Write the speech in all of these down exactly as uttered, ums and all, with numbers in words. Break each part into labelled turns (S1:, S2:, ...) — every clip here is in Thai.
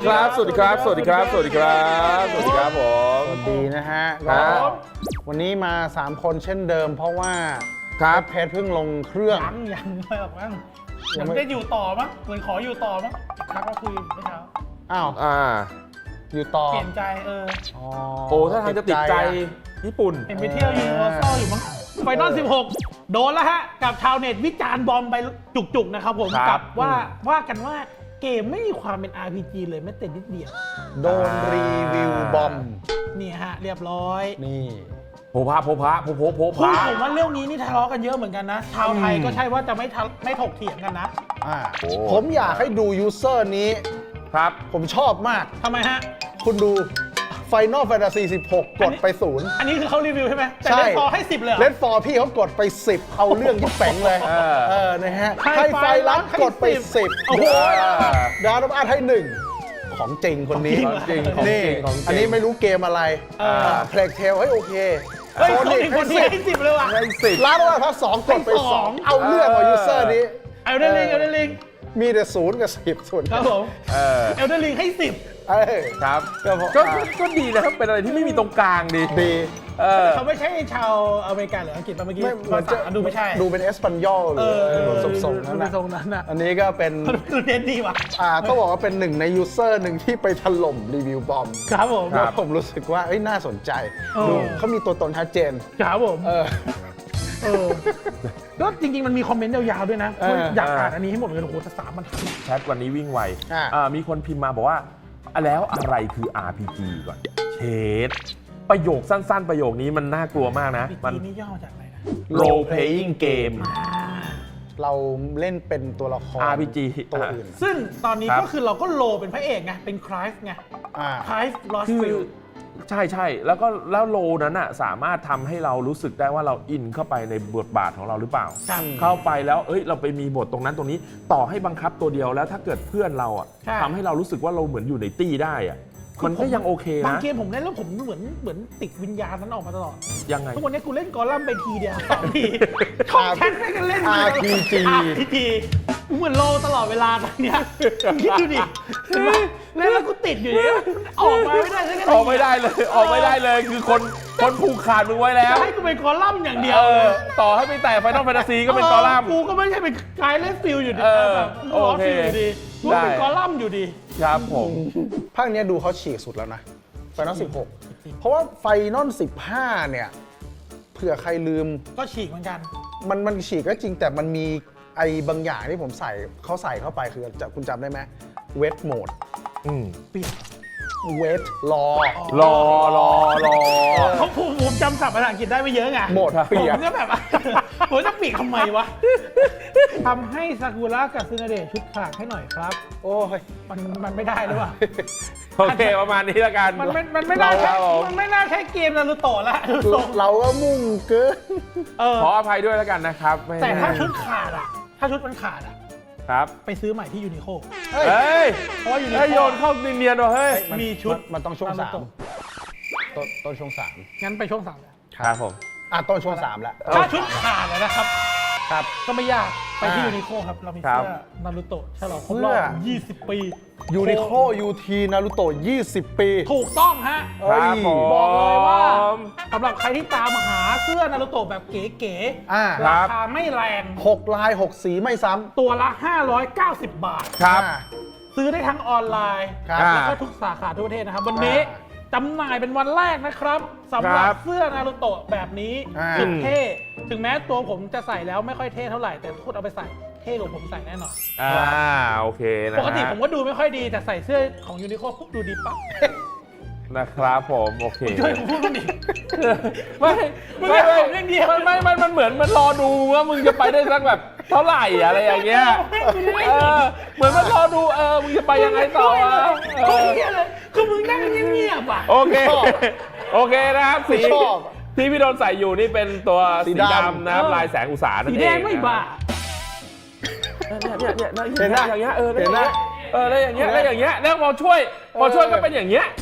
S1: ครับสวัสดีครับสวัสดีครับสวัสดีครับสวัสดีครับผม
S2: สวัสดีนะฮะ
S1: ครับ
S2: วันนี้มาสามคนเช่นเดิมเพราะว่า
S1: ครับ
S2: เพจเพิ่งลงเครื่อง
S3: ยังยังไม่ออกมั้ง
S2: ยั
S3: ยัง ง
S2: ไม่
S3: ไม่ได้อยู่ต่อมั้งเหมือนขออยู่ต่อมั้งทักมาคุยเมื่อเช้า
S2: อ้าว
S1: อ่า
S2: อยู่ต่อ
S3: เปลี่ยนใจเออ
S2: อ๋อ
S1: โอ้ถ้าทางจะติดใจญี่ปุ่น
S3: เห็นไปเที่ยวยูนิเวอร์แซลอยู่มั้งไฟนอลสิบหกโดนแล้วฮะกับชาวเน็ตวิจารณ์บอมไปจุกๆนะครับผม
S1: ครับ
S3: กับว่าว่ากันว่าเกมไม่มีความเป็น อาร์ พี จี เลยแม้แต่นิดเดียว
S2: โดนรีวิวบอม
S3: นี่ฮะเรียบร้อย
S2: นี่
S1: โพพะโพพะโพโพโพ
S3: คือ
S1: พะ
S3: ผมว่าเรื่องนี้นี่ทะเลาะกันเยอะเหมือนกันนะ ชาวไทยก็ใช่ว่าจะไม่ทะไม่ถกเถียงกันนะ
S2: อ่าผมอยากให้ดูยูเซอร์นี้
S1: ครับ
S2: ผมชอบมาก
S3: ทำไมฮะ
S2: คุณดู Final Fantasy สิบหก กดไปศูนย์
S3: อันนี้คือเขารีวิวใช่ไหมแต่
S2: ใช่
S3: เล่นพอให้สิบเลยเหรอ
S2: เลดฟอร์พี่เขากดไปสิบเอาเรื่องที่แป๋งเลย
S1: เออ
S2: เออนะฮะ
S3: ให้
S2: ให้ไฟ
S3: ไฟรั
S2: รั
S3: ด
S2: ด
S3: ให้
S2: กดไป
S3: สิบ
S2: สิบ
S3: โอ้โห
S2: ดาวน์อาร์ตให้หนึ่งของจริงคนนี้
S1: ของจริงของจริง
S2: นี่
S1: ของจริง
S2: อันนี้ไม่รู้เกมอะไร
S3: เออ
S2: เพลกเทลให้โอเค
S3: เฮ้ย
S2: โซ
S3: คน
S2: นิ
S3: นี้
S2: ก
S3: ค
S2: ให้
S3: นนี้
S2: สิบ
S3: ให้สิบเลยว่ะ
S1: ให้สิบ
S2: ร้านว่าพักสองกดไป
S3: ให้
S2: ส
S3: ส
S2: อ
S3: อง ง
S2: เอาเรื่องกว่ายูเซอร์นี้
S3: เอลเดนลิงเอลเดนลิง
S2: มีแต่ศูนย์กับสิบส่วน
S3: ครับผม
S1: เออ
S3: เอลเดนลิงให้สิบ
S2: เอ้ย
S1: ครับ
S2: ก็เพราะ
S1: ก็ก็ก็ดีนะครับเป็นอะไรที่ไม่มีตรงกลางดี
S2: ดี
S1: เออ
S3: เขาไม่ใช่ชาวอเมริกันหรืออังกฤษป่ะเมื่อกี้
S2: ไม่เหมือนจะ
S3: ภาษาดูไม่ใช่
S2: ดูเป็นเอสปันยอลห
S3: เอ
S2: รือ
S3: อ
S2: ทรงทรงๆนั้น
S3: ดู
S2: นะ
S3: ทรงนั้นอ่ะ
S2: อันนี้ก็เป็น
S3: ดูเด่นดีว่ะ
S2: อ่าต้องบอกว่าเป็นหนึ่งในยูเซอร์หนึ่งที่ไปถล่มรีวิวบอม
S3: ครับผม
S1: ครั
S2: แล้
S1: บ
S2: วผมรู้สึกว่าเอ้ยน่าสนใจ
S3: เออ
S2: ดูเขามีตัวตนชัดเจน
S3: ครับผม
S2: เออ
S3: เออก็จริงๆมันมีคอมเมนต์ยาวๆด้วยนะ
S2: เออ
S3: อยากอ่านอันนี้ให้หมดเลยโอ้โหแต่สามบรรทัด
S1: แชทวันนี้วิ่งไว
S2: อ่า
S1: อ่ามีคนพิมพ์มาบอกว่าอ่ะแล้วอะไรคือ อาร์ พี จี ก่อนเชดประโยคสั้นๆ ประโยคนี้มันน่ากลัวมากนะ
S3: ปี
S1: มัน
S3: นี่ย่อมาจากอะไรนะ
S1: role playing game
S2: เราเล่นเป็นตัวละคร
S1: อาร์ พี จี
S2: ตัวอื่น
S3: ซึ่งตอนนี้
S1: ครับ
S3: ก็คือเราก็โลเป็นพระเอกไงเป็นคลายฟ์ไง
S2: อ่า
S3: คลายฟ์ลอส
S1: คือ
S3: ฟิล
S1: ใช่ใช่แล้วก็แล้วโลนั้นอ่ะสามารถทำให้เรารู้สึกได้ว่าเราอินเข้าไปในบทบาทของเราหรือเปล่า
S3: ครับ
S1: เข้าไปแล้วเอ้ยเราไปมีบทตรงนั้นตรงนี้ต่อให้บังคับตัวเดียวแล้วถ้าเกิดเพื่อนเราอ่ะ
S3: ใช่
S1: ทำให้เรารู้สึกว่าเราเหมือนอยู่ในตี้ได้อ่ะมันก็ยังโอเค
S3: บาง
S1: นะ
S3: เกมผมเล่นแล้วผมเหมือนเหมือนติดวิญญาณนั้นออกมาตลอด
S1: ยังไง
S3: ทุกวันนี้กูเล่นกอลัมน์ไปทีเดียวสองทีช่องแชทไม่กันเล่น
S2: อาร์ พี จี
S3: อาร์ พี จี เหมือนโลตลอดเวลาตอนเนี้ยคิดดูดิเห็นปะเล่นแล้วกูติดอยู่เนี่ยออกมาไม่ได้สักที
S1: ออกไม่ได้เลยออกไม่ได้เลยคือคนคนผูกขาดมึงไว้แล้ว
S3: จะให้กูเป็นกอลัมน์อย่างเดียว
S1: เอ
S3: เล
S1: อย ต่อให้ไปแต่ไฟนอลแฟนตาซีก็เป็นกอลัมน์
S3: กูก็ไม่ใช่เป็นกายเล่นฟิลอยู่ดี
S1: เออ
S3: แบบ
S1: โอ
S3: ล้อ
S1: เค
S3: ฟิลอยู่ดีกูก็เป็น
S1: ได้
S3: กอลัมน์อยู่ดี
S1: ครับผม
S2: ภาคเนี้ยดูเขาฉีกสุดแล้วนะไฟนอลสิบหกเพราะว่าไฟนอลสิบห้าเนี่ยเผื่อใครลืม
S3: ก็ฉีกเหมือนกัน
S2: มันมันฉีกก็จริงแต่มันมีไอ้บางอย่างที่ผมใส่เขาใส่เข้าไปคือจะคุณจำได้ไหมเวทโหมด
S1: อืม
S3: เปลี่ยน
S2: เวทรอ
S1: รอรอรอ
S3: เขาผมผมจำศัพท์ภาษาอังกฤษได้ไม่เยอะไง
S2: โหมดเปีย
S3: ผ
S2: ก
S3: มก็แบบ ผมจะปีกทำไมวะ ทำให้ซากุระกับซึนาเดะชุดขากให้หน่อยครับ
S2: โอ้ย
S3: มันมันไม่ได้หรือเปล่า
S1: โอเคประมาณนี้แล้วกัน
S3: มันไม่มันไม่น่า
S1: ค
S3: ใช่
S1: รับผม
S3: มันไม่น่าใช่เกมนารูโตะละดูทรง
S2: เราก็มุ่งเกิน
S3: เออ
S1: ขออภัยด้วยแล้วกันนะครับไม่
S3: แต่ถ้าชุดขาดอ่ะ ถ้าชุดมันขาดอ่ะ
S1: ครับ
S3: ไปซื้อใหม่ที่ยูนิโค
S2: เฮ้ย
S1: เฮ้ย
S3: เพราะว่ายูนิ
S1: เฮ้ย
S3: โค
S1: โยนเข้าเนียนๆว่ะเฮ้ย
S2: มัน
S3: มีชุด
S2: มันมันต้องช่วงสาม
S3: นารูโตะ
S2: ต้นต้นช่วงสาม
S3: งั้นไปช่วงสามเลย
S1: ครับผม
S2: อ่ะต้นช่วงสามแล้ว
S3: ถ้าชุดขาดอะนะครับ
S2: ครับ
S3: ก็ไม่ยากไปที่
S2: อ่า
S3: ยูนิโคครับ เรามี
S1: ครั
S3: เสื้
S1: บ
S3: อนารูโตะฉลองครบ
S2: เสื้
S3: รอ
S2: อ
S3: บยี่สิบ ปี
S2: ยูนิโคยูทีนารูโตะยี่สิบ ปี
S3: ถูกต้องฮะ
S2: เอ้ย
S1: ครับผม
S3: บอกเลยว่าสำหรับใครที่ตามหาเสื้อนารูโตะแบบเก๋
S2: อ่า
S3: ๆ ราคาไม่แรง
S2: หกลายหกสีไม่ซ้ำ
S3: ตัวละ ห้าร้อยเก้าสิบ บาท
S1: ครับ
S2: อ่า
S3: ซื้อได้ทั้งออนไลน์
S2: ครับ
S3: แล้วก็ทุกสาขาทั่วประเทศนะครับ วันนี้
S2: อ่า
S3: จำหน่ายเป็นวันแรกนะครับสำหรับ
S1: ครับ
S3: เสื้อนารูโตะแบบนี้
S2: อ่า
S3: สุดเท่ ถึงแม้ตัวผมจะใส่แล้วไม่ค่อยเท่เท่าไหร่ แต่ทุกคนเอาไปใส่เท่กว่าผมใส่แน่นอน
S1: อ่าโอเคนะ
S3: ปกติ
S1: ฮะ
S3: ผมก็ดูไม่ค่อยดีแต่ใส่เสื้อของยูนิโคปุ๊บดูดีปั๊บ
S1: นะครับผมโอเค
S3: ช่วยผมพูดมันดิ
S1: ไม่
S3: มึง
S1: ไม่
S3: อยาก
S1: ไม่
S3: ผมอย่างเดียว
S1: มันไม่มันมันเหมือนมันรอดูว่ามึงจะไปได้สักแบบเท่าไหร่อะไรอย่างเงี้ยเออเหมือนมันรอดูเออมึงจะไปยังไงต่อวะเอ
S3: โอ้
S1: อ
S3: ยเลยคือมึงนั่งเงียบๆอ่ะ
S1: โอเคโอเคนะครับสี
S2: ชอบ
S1: ที่พี่โดนใส่อยู่นี่เป็นตัว
S2: สี
S1: สี
S2: ดำ
S1: ดำนะครับ
S3: เออ
S1: ลายแสงอุตสาหนั่น
S3: สี
S1: เอง
S3: แดงไม่บ้า
S1: เนี่ยเนี่ยเนี่ยเนี่ย
S2: เห็นไหม
S1: อย่างเงี้ยเออ
S2: เห็นไหม
S1: เออแล้วอย่างเงี้ยแล้วอย่างเงี้ยแล้วพอช่วยพอช่วยก็เป็นอย่างเงี้ย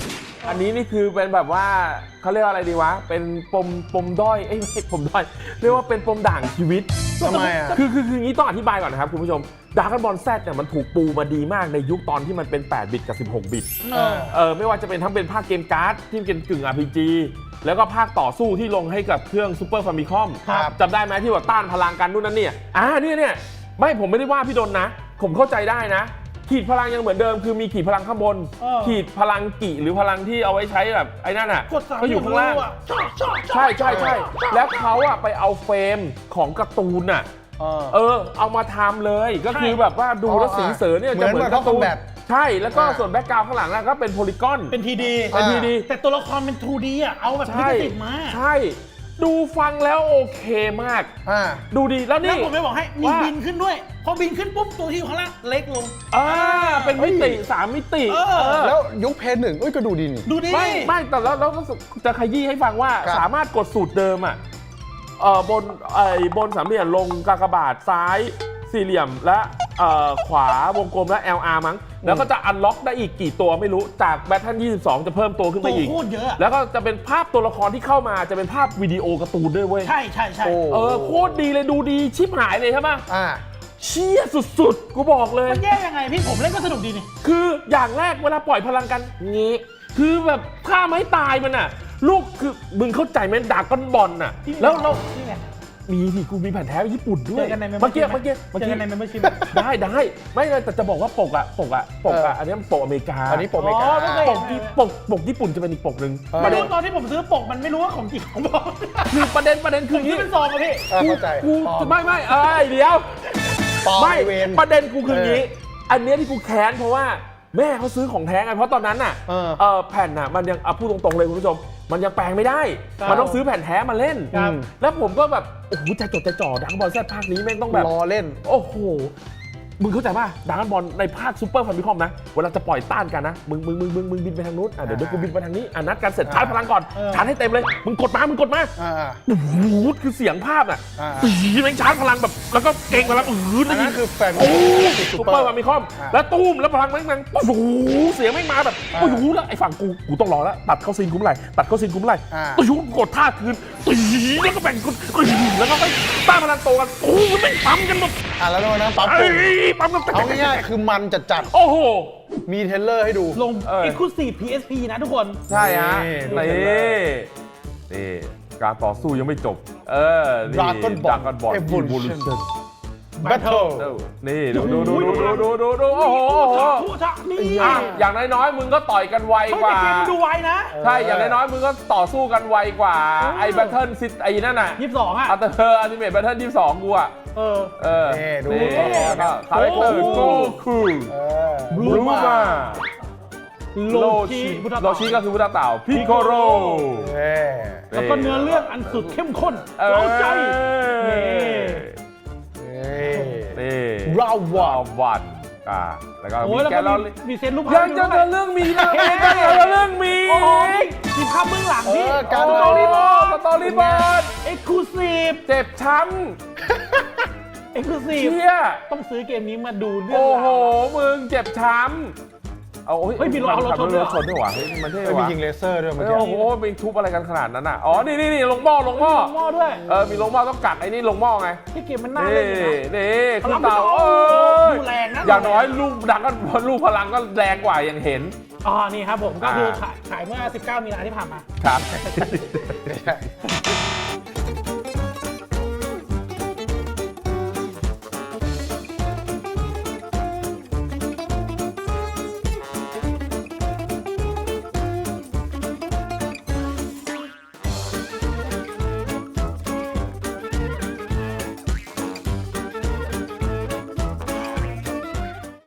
S1: อันนี้นี่คือเป็นแบบว่าเขาเรียกว่าอะไรดีวะ เป็นปมปมด้อย เอ้ยไม่ใช่ปมด้อย เรียกว่าเป็นปมด่างชีวิต
S2: ทำไมอ่ะ
S1: คือคือคืออย่างนี้ต้องอธิบายก่อนนะครับคุณผู้ชมดราก้อนบอลแซดเนี่ยมันถูกปูมาดีมากในยุคตอนที่มันเป็นแปดบิตกับสิบหกบิต
S3: เออ
S1: เออไม่ว่าจะเป็นทั้งเป็นภาคเกมการ์ดที่เป็นกึ่ง อาร์ พี จี แล้วก็ภาคต่อสู้ที่ลงให้กับเครื่องซูเปอร์ฟามิคอม
S2: ครับ
S1: จำได้ไหมที่ว่าต้านพลังกันนู่นนั่นเนี่ยอ่าเนี่ยเนี่ยไม่ผมไม่ได้ว่าพี่ดนนะ ผมเข้าใจได้นะ ขีดพลังยังเหมือนเดิมคือมีขีดพลังข้างบน
S3: เออ
S1: ขีดพลังกี่หรือพลังที่เอาไว้ใช้แบบไอ้นั่นอ่ะ
S3: กดสาม
S1: ก็อยู่ข้างล่าง
S3: อ่ะชอบชอบชอบ
S1: ใช่ใช่ใช่แล้วเขาอะไปเอาเฟรมของการ์ตูนอะ
S2: เออ
S1: เออเอามาทำเลยก็คือแบบว่าดูแล้วสีเสือเนี่ยจะเหมือนการ์ตูน
S2: เหมือน Mortal Kombat
S1: ใช่แล้วก็
S2: อ่า
S1: ส่วนแบ็กกราวด์ข้างหลังอะก็เป็นโพลีกอน
S3: เป็นทีดี
S1: เป็นทีดี
S3: แต่ตัวละครเป็น ทูดี อ่ะ เอาแบบลิ
S1: ใช่
S3: ขสิทธิ์มา
S1: ใช่ ดูฟังแล้วโอเคมาก
S2: อ่า
S1: ดูดีแล้ว
S3: แล้ว
S1: นี่
S3: ผมไม่บอกให้มี
S1: ว่า
S3: บินขึ้นด้วย พอบินขึ้นปุ๊บตัวที่อยู่ข้างล่างเล็กลง
S1: อ่าเป็นมิติสามมิติ
S3: เออ
S1: เออ
S2: แล้วยุคเพย์หนึ่งเอ้ยก็ดูดีนี่
S3: ดูดิ
S1: ไม่ไม่แต่แล้วแล้วก็จะขยี้ให้ฟังว่า
S2: ครับ
S1: สามารถกดสูตรเดิมอ่ะเอ่อบนไอ้บนสามเหลี่ยมลงกากบาทซ้ายสี่เหลี่ยมและเอ่อขวาวงกลมและ แอล อาร์ มั้งแล้วก็จะอันล็อกได้อีกกี่ตัวไม่รู้จากแบทเทิลยี่สิบสองจะเพิ่มตัวขึ้น
S3: ตั
S1: ไป
S3: ว
S1: อีก
S3: โคตรเยอะอะ
S1: แล้วก็จะเป็นภาพตัวละครที่เข้ามาจะเป็นภาพวิดีโอการ์ตูนด้วยเว้ย
S3: ใช่ใช่ใช่
S2: โอ้
S1: เออโคตรดีเลยดูดีชิบหายเลยใช่ปะ
S2: อ่า
S1: เชี่ยสุดๆ กูบอกเลย
S3: มันแย่ยังไงพี่ผมเล่นก็สนุกดีนี่
S1: คืออย่างแรกเวลาปล่อยพลังกันงี้คือแบบฆ่าไม่ตายมันอ่ะ ลูกคือมึงเข้าใจไหมดราก้อนบอลน่ะ แล้วเรา
S3: นี่ไง
S1: มีที่กูมีแผ่นแท้ญี่ปุ่นด้ว
S3: เจ
S1: ย
S3: อกันใน
S1: เมื่อกี้เมื่อกี้เมื่อ
S3: เจอ
S1: กี้
S3: กันในเมมเบอร์ชิพ
S1: ได้ได้ไม่เลยแต่จะบอกว่าปกอะปกอะปกอะ
S2: เอออั
S1: อันนี้มันปกอเมริกา
S2: อันนี้ปกอเมริกา
S3: อ๋อไม่เคย
S1: ปกที่ปกปกญี่ปุ่นจะเป็นอีกปกหนึ่ง
S2: เออ
S1: ประ
S3: ไม่
S1: เด็
S3: รู้
S1: น
S3: ตอนที่ผมซื้อปกมันไม่รู้ว่าของจริงของปลอม
S1: คือประเด็นประเด็น
S3: ผ
S1: คือ
S3: ม
S1: อย่าง
S3: ซื้อ
S1: นี้
S3: เป็นซองอะพี่
S2: อ่าเข้าใจ
S1: กู
S2: ปลอม
S1: ไม่ไม่เอ้ยเดี๋ยว
S2: ปลอม
S1: ไม่
S2: ไอเวน
S1: ประเด็นกูคืออย่างนี้ อันเนี้ยที่กูแค้นเพราะว่าแม่เขาซื้อของแท้ไงเพราะตอนนั้นน่ะ
S2: เออ
S1: เออแผ่นน่ะมันยังเอาพูดตรงๆเลยคุณผู้ชมมันยังแปลงไม่ได้
S3: ครับ
S1: มันต้องซื้อแผ่นแท้มาเล่น
S2: ครับ
S1: แล้วผมก็แบบโอ้โหใจจดใจจ่อดังบอลแซดภาคนี้แม่งต้องแบบ
S2: รอเล่น
S1: โอ้โห มึงเข้าใจป่ะดังบอลในภาคซูเปอร์ฟามิคอมนะ เวลาจะปล่อยต้านกันนะ มึงมึงมึงมึงมึงบินไปทางนู้นอ่ะเดี๋ยวเดี๋ยวกูบินไปทางนี้อ่ะนัดกันเสร็จชาร์จพลังก่อน
S3: เออ
S1: ชาร์จให้เต็มเลย มึงกดมา มึงกดมา
S2: อ่า
S1: โอ้โหคือเสียงภาพน่ะ
S2: อ่า
S1: ปีแม่งชาร์จพลังแบบ แล้วก็เก่งพลังอือ
S2: อันนั้นคือแฟน
S1: โอ้
S2: ซู
S1: ซู
S2: เป
S1: เป
S2: อ
S1: อ
S2: ร์
S1: ร์ฟามิคอม
S2: อ่า
S1: แล้วตุ้มแล้วพลังแม่งแม่งโอ้โหเสียงแม่งมาแบบ
S2: อ่า
S1: โอ้โหแล้วไอ้ฝั่งกูกูต้องรอแล้วตัดเข้าซีนกูเมื่อไหร่ตัดเข้าซีนกูเมื่อไหร่
S2: อ่า
S1: โอ้โหกดท่าคืนปีแล้วก็แบ่งกดแล้วก็ไปต้านพลังโตกันโอ้โหแม่งปั๊มกันหมด
S2: อ่ะแล้วโดนนะปั๊บ
S1: เอ้ยปั๊มกัน
S2: เอาง่ายๆคือมันจัดจัด
S1: โอ้โห
S2: ๆมีเทรลเลอร์ให้ดู
S3: ลง
S1: เออ
S3: Exclusive พี เอส พี นะทุกคน
S1: ใช่ฮะ
S2: นี่
S1: นี่นี่การต่อสู้ยังไม่จบ เออ นี่
S2: Dragon Ball
S1: Dragon Ball
S2: Evolution
S1: Evolution
S2: Battle
S1: นี่ดูดูดูดูดูดูดูโอ้โหโอ้โห
S3: ทุกทะนี่
S1: อ่ะอย่างน้อยๆมึงก็ต่อยกันไว
S3: เฮ้ย
S1: กว่า
S3: แต่เกมมันดูไวนะ
S1: ใช่ อย่างน้อยๆมึงก็ต่อสู้กันไวกว่า ไอ้แบทเทิลซิไอ้นั่นน่ะ
S3: ยี่สิบสองอ่ะ
S1: อัลเตอร์อัลติเมทแบทเทิลยี่สิบสองกูอ่ะ
S3: เออ
S1: เออ
S2: นี่ดู
S1: นี่แล้วก็คาแรคเตอร์
S3: โอ้
S1: โก
S3: โห
S1: คู
S2: เออ
S1: บลูมา
S3: โล
S1: โล
S3: ชิ
S1: ชิ
S3: พุทธ
S1: โลชิก็คือพุทธเต่าพิโคโร
S2: เอ้ย
S3: แล้วก็เนื้อเรื่องอันสุดเข้มข้น
S1: เอ้ย
S3: เร้าใจ นี่
S2: เอ้ย
S1: นี่
S2: ราววั
S1: วาน วันอ่าแล้วก็
S3: โอ้
S1: มี
S3: ยแล้ว
S1: แก
S3: ก็
S1: ลเลอ
S3: มี
S1: รี่
S3: มีเซนรูป
S1: ยังจะเดินเรื่องมีนะยังจะเดินเรื่องมี
S3: โอ้ยมีภาพเบื้องหลัง
S2: เอ
S3: พี่
S2: อ
S1: กา
S2: การ ร
S1: สตอรี่บอร์ดสตอรี่บอร์ด
S3: เอ็กซ์คลูซีฟ
S1: เจ็บช้
S3: เอ็กซ์คลูซี
S1: ำ
S3: ฟ
S1: เชี่ย
S3: ต้องซื้อเกมนี้มาดูเรื่อง
S1: โอ้โห
S3: ราว
S1: มึงเจ็บช้ำเอา
S3: เฮ้ยมีรถเอารถชนด้วยเหรอ
S1: ชนด้วยวะเฮ้ยมันเท่
S2: เอ้ยมี
S1: ว่ะ
S2: ยิงเลเซอร์ด้วยเมื่อ
S1: เอ้ย
S2: กี้
S1: โอ้โหมีทุบอะไรกันขนาดนั้นอ่ะอ๋อนี่นี่นี่ลงหม้อลงหม้อ
S3: หม้อด้วย
S1: เออมีลงหม้อต้องกัดไอ้นี่ลงหม้อไง
S3: ที่เกมมันน่า
S1: นี่
S3: เล่นอยู่นะ
S1: นี่
S3: พ
S1: คื
S3: ลั
S1: อง เต่า
S3: โอ้
S1: เอ้ย
S3: ดูแรงนะ
S1: อย่างน้อยลูกดังก็ลูกพลังก็แรงกว่าอย่างเห็น
S3: อ๋อนี่ครับผมก็คือ
S1: อ่า
S3: ขายขายเมื่อ สิบเก้า มีนาที่ผ่านมา
S1: ครับ